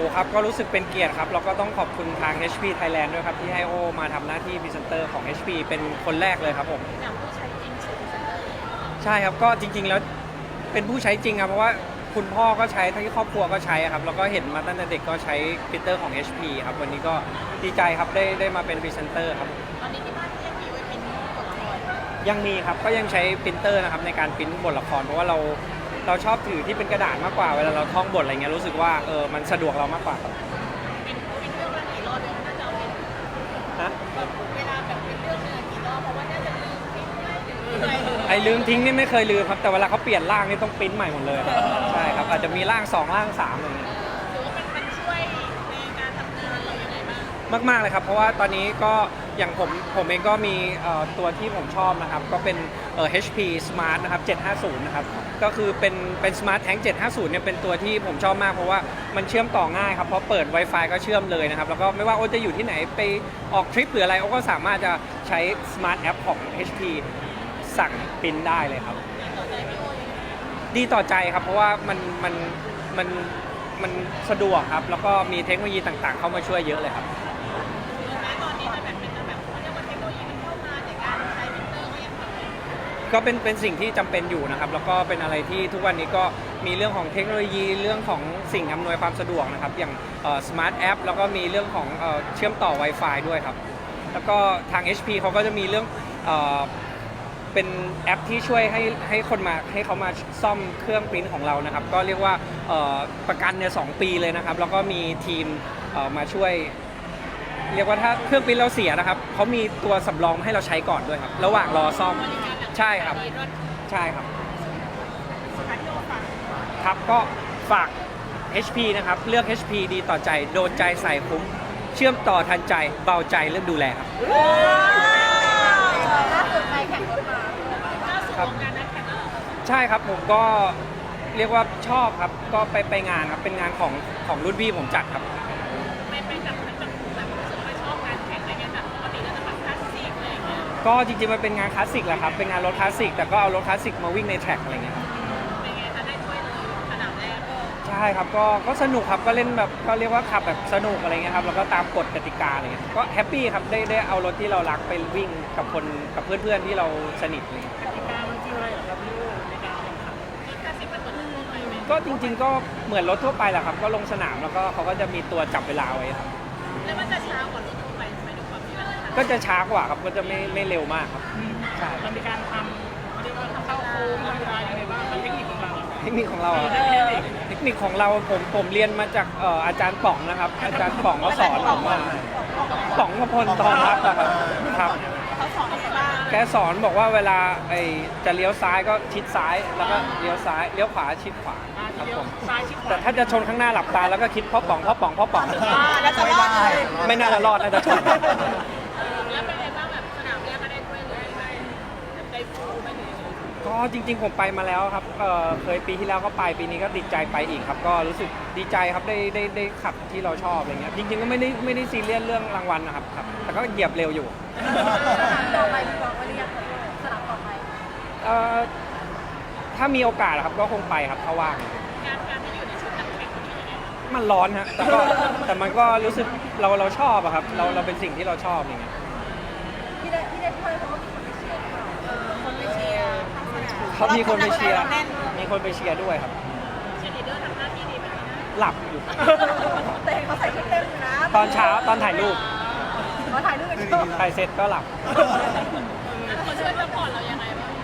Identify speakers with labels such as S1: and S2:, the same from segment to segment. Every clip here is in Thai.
S1: ครับก็รู้สึกเป็นเกียรติครับแล้วก็ต้องขอบคุณทาง HP Thailand ด้วยครับที่ให้โอมาทำหน้าที่พรีเซนเตอร์ของ HP เป็นคนแรกเลยครับผม
S2: อย่างผู้ใช้จริงใช้พรีเซนเตอร์
S1: ใช่ครับก็จริงๆแล้วเป็นผู้ใช้จริงครับเพราะว่าคุณพ่อก็ใช้ทั้งที่ครอบครัวก็ใช้ครับแล้วก็เห็นมาตั้งแต่เด็กก็ใช้พรินเตอร์ของ HP ครับวันนี้ก็ดีใจครับได้มาเป็นพรีเซนเตอร์ครับ
S2: ตอนนี้ที่บ้านก็ยังมีไว้เป็นบทละคร
S1: ยังมีครับก็ยังใช้พรินเตอร์นะครับในการพรินบทละครเพราะว่าเราชอบถือที่เป็นกระดาษมากกว่าเวลาเราท่องบทอะไรเงี้ยรู้สึกว่ามันสะดวกเรามากกว่าครับ
S2: เป็นเรื่องละกี่รอบเดี๋ยวน่าจะเอาเป็น
S1: ฮะ
S2: แบบเวลาแบบเป็นเรื่องเนื้อกี่รอบเพราะว่าน่าจะลืมทิ้งได้หรืออะไร
S1: ไอ้ลืมทิ้งนี่ไม่เคยลืมครับแต่เวลาเขาเปลี่ยนร่างนี่ต้องปริ้นใหม่หมดเลยใช่ครับอาจจะมีร่าง2ร่าง3อะไรเงี้ย
S2: หรือว่ามันช่วยในการทำงานเราอย่างไรบ้าง
S1: มากๆเลยครับเพราะว่าตอนนี้ก็อย่างผมเองก็มีตัวที่ผมชอบนะครับก็เป็นHP Smart นะครับ750นะครับก็คือเป็น Smart Tank 750เนี่ยเป็นตัวที่ผมชอบมากเพราะว่ามันเชื่อมต่อง่ายครับเพราะเปิด Wi-Fi ก็เชื่อมเลยนะครับแล้วก็ไม่ว่าโอจะอยู่ที่ไหนไปออกทริปหรืออะไรโอก็สามารถจะใช้ Smart App ของ HP สั่งปริ้นได้เลยครับดีต่อใจครับเพราะว่ามันสะดวกครับแล้วก็มีเทคโนโลยีต่างๆเข้ามาช่วยเยอะเลยครับ
S2: แม้ตอนนี้จะแบบเป็นแบบเขาเรียกว่าเทคโนโลยีมันเข้ามาแต่การใช้พรินเตอร์ก็ยังทำได้
S1: ก็เป็นสิ่งที่จำเป็นอยู่นะครับแล้วก็เป็นอะไรที่ทุกวันนี้ก็มีเรื่องของเทคโนโลยีเรื่องของสิ่งอำนวยความสะดวกนะครับอย่างSmart App แล้วก็มีเรื่องของเชื่อมต่อ Wi-Fi ด้วยครับแล้วก็ทาง HP เขาก็จะมีเรื่องเป็นแอปที่ช่วยให้คนมาให้เขามาซ่อมเครื่องปริ้นของเรานะครับก็เรียกว่าประกันเนี่ย2 ปีเลยนะครับแล้วก็มีทีมมาช่วยเรียกว่าถ้าเครื่องปริ้นเราเสียนะครับเขามีตัวสำรองให้เราใช้ก่อนด้วยครับระหว่างรอซ่อมใช่ครับใช่ครับครับก็ฝาก HP นะครับเลือก HP ดีต่อใจโดนใจใส่คุ้มเชื่อมต่อทันใจเบาใจเรื่องดูแลครับ
S2: ล่าสุดไปแข่งรถมาล่าสุดของงานนั้นแข่งแล้ว
S1: ใช่ครับผมก็เรียกว่าชอบครับก็ไปงานครับเป็นงานของรุ่นพี่ผมจัดครับ
S2: ไปจับแบบรู้สึกว่าชอบงานแข่งอะไรเงี้ยแบบปกติเราจะแบบคลาสสิกอะไรอย่างเงี้ย
S1: ก็จริงๆมันเป็นงานคลาสสิกแหละครับเป็นงานรถคลาสสิกแต่ก็เอารถคลาสสิกมาวิ่งในแทร็กอะไรเงี้ย
S2: เป็นไงคะได้ถ้วยเลยสนามแรก
S1: ใช่ครับก็สนุกครับก็เล่นแบบก็เรียกว่าขับแบบสนุกอะไรเงี้ยครับแล้วก็ตามกฎกติกาอะไรเงี้ยก็แฮปปี้ครับได้เอารถที่เรารักไปวิ่งกับกับเพื่อนๆที่เราสนิทเลย
S2: กติกามันคืออะไรเหรอครับพี่ในการแข่งขันรถคลาสสิกมันเหมือนทั่วไปไหม
S1: ก็จริงๆก็เหมือนรถทั่วไปแหละครับก็ลงสนามแล้วก็เขาก็จะมีตัวจับเวลาไว้ครับ
S2: แล้วมันจะช้ากว่ารถทั่วไปไหมด้วยความที่ว่า
S1: ก็จะช้ากว่าครับก็จะไม่เร็วมากครับใช่
S2: มันมีการทำเขาเรียกว่าเข้าโค้งทำเวลาอย่างไรบ้างเทคนิคของเรา
S1: เทคนิคของเราเทคนิคของเราผมเรียนมาจากอาจารย์ป๋องนะครับอาจารย์ป๋องก็สอนผมว่าป๋องพพลทองรักนะครับ
S2: เขาสอนอะไรบ้าง
S1: แกสอนบอกว่าเวลาจะเลี้ยวซ้ายก็ชิดซ้ายแล้วก็เลี้ยวซ้ายเลี้ยวขวาชิดขวาครับผมแต่ถ้าจะชนข้างหน้าหลับตาแล้วก็คิดพ่อป๋อง
S2: แล้วจะรอดเลย
S1: ไม่น่าจะรอดน่าจะชน
S2: แล้วเป็นไงบ้างแบบสนามแรกก็ได้ด้วยเลยได้ฟูไม่ถึง
S1: ก็จริงๆผมไปมาแล้วครับเคยปีที่แล้วก็ไปปีนี้ก็ติดใจไปอีกครับก็รู้สึกดีใจครับได้ขับที่เราชอบอะไรเงี้ยจริงๆก็ไม่ได้ซีเรียสเรื่องรางวัลนะครับแต่ก็เหยียบเร็วอยู่
S2: ต่อไปพี่บอกว่าเรียกสนามต่อไป
S1: ถ้ามีโอกาสครับก็คงไปครับถ้าว่าง
S2: การที่อยู่ในชุดนักแข่ง
S1: มันร้อนฮะแต่มันก็รู้สึกเราชอบอะครับเราเป็นสิ่งที่เราชอบอย่างเงี้ย
S2: ที่ได้ถ้วยเพราะว่าคนไปเชียร์
S1: เขามีคนไปเชียร์มีคนไปเชียร์ด้วยครับ
S2: เชียร์ลีดเดอร์ทำหน้าที่ดีไหม
S1: หลับอยู่
S2: แต่เขาใส่ชุดเต็มนะ
S1: ตอนเช้าตอนถ่ายรูป
S2: เขาถ่ายรูปกัน
S1: ถ่ายเสร็จก็หลับ
S2: เขาช่วยซัพพอร์ตเรายังไงบ้าง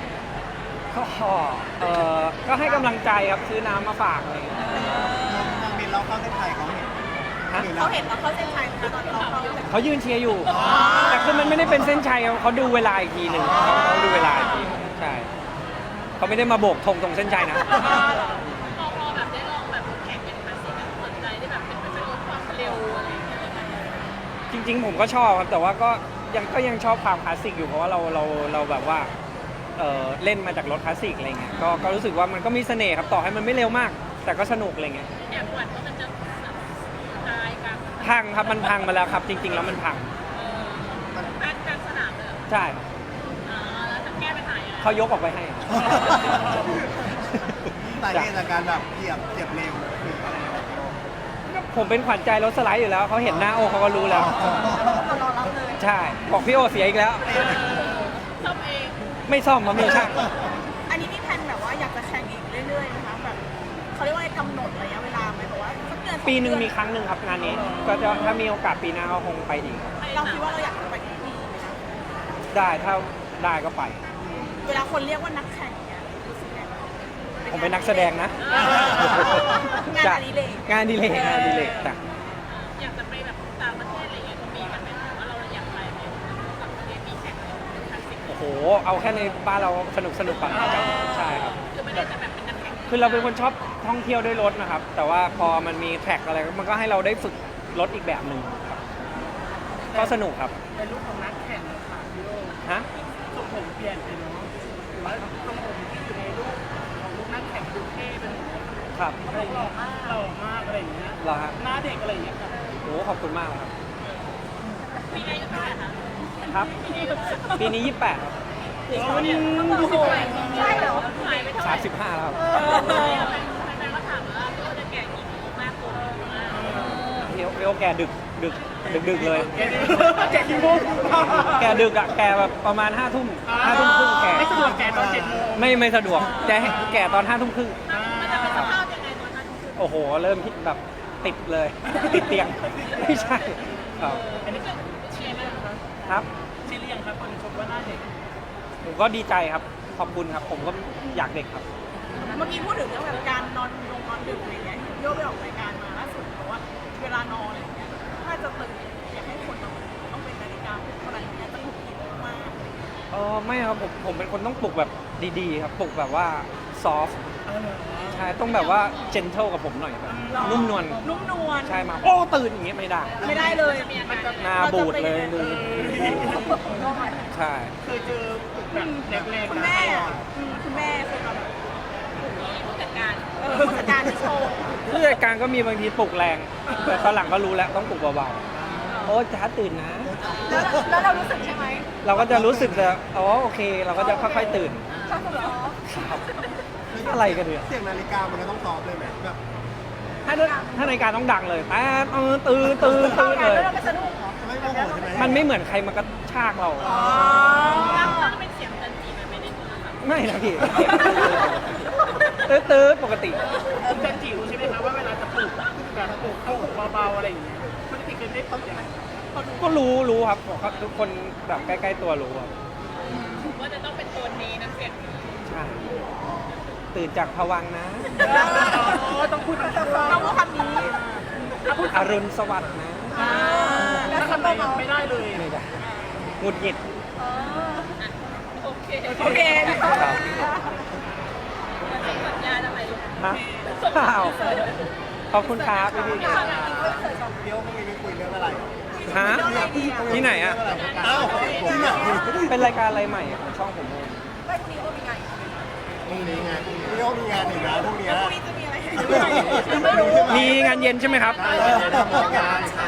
S1: ก็ให้กำลังใจครับซื้อน้ำมาฝากอะไรอย่างเงี้ย
S3: บินเราเข้าเส้นชัยเขาเห็น
S2: เราเข้าเส้นชัยตอน
S1: เขายืนเชียร์อยู่แต่คือมันไม่ได้เป็นเส้นชัยเขาดูเวลาอีกทีหนึ่งเขาดูเวลาอีกทีใช่เขาไม่ได้มาโบกธงตรงเส้นชัยนะ
S2: พอแบบได้ลองแบบแข่งเป็นคลาสสิกสนใจได้แบบเป็นรถความเร็วอะไรอย่างเงี้ย
S1: จริงๆผมก็ชอบครับแต่ว่าก็ยังชอบความคลาสสิกอยู่เพราะว่าเราแบบว่าเล่นมาจากรถคลาสสิกอะไรเงี้ยก็รู้สึกว่ามันก็มีเสน่ห์ครับต่อให้มันไม่เร็วมากแต่ก็สนุกอะไรเงี้ย
S2: แอบหวั่นว่ามันจะตายกัน
S1: พังครับมันพังมาแล้วครับจริงๆแล้วมันพัง
S2: การสนามเลย
S1: ใช่
S2: แล้วจะแก้ปัญหา
S1: เขายกออกไปให้
S3: สาเหตุจากการแบบเหยียบเร็วคืออะไร
S1: ผมเป็นขวัญใจรถสไลด์อยู่แล้วเขาเห็นหน้าโอเขาก็รู้แล้ว
S4: เรารอรับเลย
S1: ใช่ บอกพี่โอเสียอีกแล้ว
S2: ซ่อมเอง
S1: ไม่ซ่อมมามีช่าง
S4: อันนี้มีแผนแบบว่าอยากจะแข่งอีกเรื่อยๆนะคะแบบเขาเรียกว่าอะไรกำหนดระยะเวลาไหมแบบว่าสักเดือน
S1: ปีหนึ่งมีครั้งหนึ่งครับงานนี้ ก็จะถ้ามีโอกาสปีหน้าก็คงไปอีกครับ
S4: เราคิดว่าเราอยากจะไปที่นี่ไหมคะ
S1: ได้ถ้าได้ก็ไป
S4: เวลาคนเรียกว่านักแข่งเนี่ยรู้สึกไงบ้าง
S1: ผมเป็นนักแสดงนะ
S4: งานอดิเรก
S1: งานอดิเรกงานอดิเรกจ้ะ
S2: อยากจะไปแบบต่างประเทศอะไรเงี้ยก็มีกันไหมว่าเราอยากไปไหมต่างประเทศมีแข่งอะไรคลาสสิก
S1: โอ้โห เอาแค่ในบ้านเราสนุกก่อนครับใช่ครับ
S2: คือไม่ได้จะแบบเป็นนักแข่ง
S1: คือเราเป็นคนชอบท่องเที่ยวด้วยรถนะครับ แต่ว่าพอมันมีแท็กอะไรมันก็ให้เราได้ฝึกรถอีกแบบหนึ่งครับ ก็สนุกครับ
S5: เป็นลูกของนักแข่งค่ะพี่โอ
S1: ฮะ
S5: ทรงผมเปลี่ยนไปเนาะหรือว่าทรงผมที่อยู่ในรูปของลูกนักแข่งดูเท่เป็น
S1: ครับ
S5: อะไรอย่างเงี้ยหล่อมากอะไรอย่างเงี้ย
S1: เหรอฮะ
S5: หน้าเด็กอะไรอย่างเงี้ยครับ
S1: โอ้ขอบคุณมากเลยครับ
S2: ปีอายุเท่าไหร่คะ
S1: ครับ ปีนี้ 28 ครับ
S4: ใช่เหรอ
S2: หายไปเท่าไหร่
S1: 35 แล้วครับ
S2: แฟนๆก็ถามว่าพี่โอจะแก่กี่ปีมากกว่า
S1: เอวแกดึกเลย
S5: แกกี่โมง
S1: แกดึกอะแกแบบประมาณ5 ทุ่ม5 ทุ่มครึ่งแก
S5: ไม่สะดวกแกตอน7 โมง
S1: ไม่สะดวกจะให้แกตอน5 ทุ่มครึ่ง
S2: มันจะเป็นสภาพยังไงตอนนั้น
S1: โอ้โห เริ่มแบบติดเลย ติดเตียง ไม่ใช่ครับ
S5: อันนี้ก็เชียร์เลยครับ
S1: ครับ
S5: เชียร์เรียงครับคนชมว่าหน้าเด็ก
S1: ผมก็ดีใจครับ ขอบคุณครับ ผมก็อยากเด็กครับ
S4: เมื่อกี้พูดถึงเรื่องแบบการนอนดึกอะไรเงี้ยโยกไปออกรายการมาล่าสุดบอกว่าเวลานอนอะไรเงี้ยถ้าจะตื่นอยากให้คนนอนต้องเป็นนาฬิกาปลุกเท่าไหร่เงี้ยจะถูกกินมาก
S1: ไม่ครับผมเป็นคนต้องปลุกแบบดีๆครับ ปลุกแบบว่าซอฟใช่ ต้องแบบว่าเจนเทลกับผมหน่อยแบบนุ่มนวล
S4: นุ่มนวล
S1: ใช่มา โอ้ตื่นอย่างเงี้ยไม่ได้
S4: ไม่ได้เลย
S1: หน้าบูดเลยดูใช่
S5: เคยเจอแบบแรงๆ
S4: คุณแม่อะคุณแม่เคยแบบ
S2: ผู้จัดการ
S4: ผู้จัดการที่โชว์
S1: ผู้จัดการก็มีบางทีปลุกแรง แต่ตอนหลังก็รู้แล้วต้องปลุกเบาๆ โอ้จ้าตื่นนะ
S4: แล้วเรารู้สึกใช่ไหม
S1: เราก็จะรู้สึกจะอ๋อโอเค เราก็จะค่อยๆตื่น
S4: ชอบเหรอ
S1: ครับอะไรกันเนี่ย
S3: เสียงนาฬิกามันก็ต้องตอบเลยไหมแบบ
S1: ถ้านาฬิกาต้องดังเลยแต่ตื่นเลย
S4: แล้วเราไม่สะดุ้งเหรอ
S3: ไม่โมโหใช่ไหม
S1: มันไม่เหมือนใครมากระชากเรา
S4: อ๋อ
S2: ต้องเป็นเสียงจันจีมันไม่ได้โทรศัพท์
S1: ไม่นะพี่ตื้อปกติ
S5: คุณจันจิรู้ใช่ไหมครับว่าเวลาจะปลุกแบบปลุกเข้าเบาๆอะไรอย่างเงี้ยคุณจันจิเคยได้ปลุกยังไง
S1: ก็รู้ครับทุกคนแบบใกล้ๆตัวรู้ครับ
S2: ว่าจะต้องเป็นโทนนี้น้ำเสียงนี้
S1: ใช่ตื่นจากภวังค์นะ
S5: ต้องพูด
S4: ต้องพูดคำนี้
S1: อรุณสวัสดิ์นะ
S4: แล้ว
S5: ทำ
S4: คำ
S5: ไม
S4: เบา
S5: ไม่ได้เลย
S1: ไม่ได้หงุดหงิด
S2: โอเค
S4: โอเค
S1: ครับ
S2: สัญญาทำไมลูก
S1: ฮะอ้าวขอบคุณครับพี่
S3: เดี๋ยวพรุ่งนี้ไปคุยเรื่องอะไร
S1: ฮะที่ไหนอ่ะ
S3: เอ้าที่ไหน
S1: เป็นรายการอะไรใหม่อะของช่องผมเอง
S4: ไม่พรุ่งนี้ก็มีไง
S3: พรุ่งนี้ไงพี่โอมีงานอีกนะพรุ่งนี้
S4: แล้วพรุ่งนี้จะมีอะไร
S3: ไม่รู้ใช่ไหม
S1: มีงานเย็นใช่ไหมครับ
S3: ได้เลยทำงานค่ะ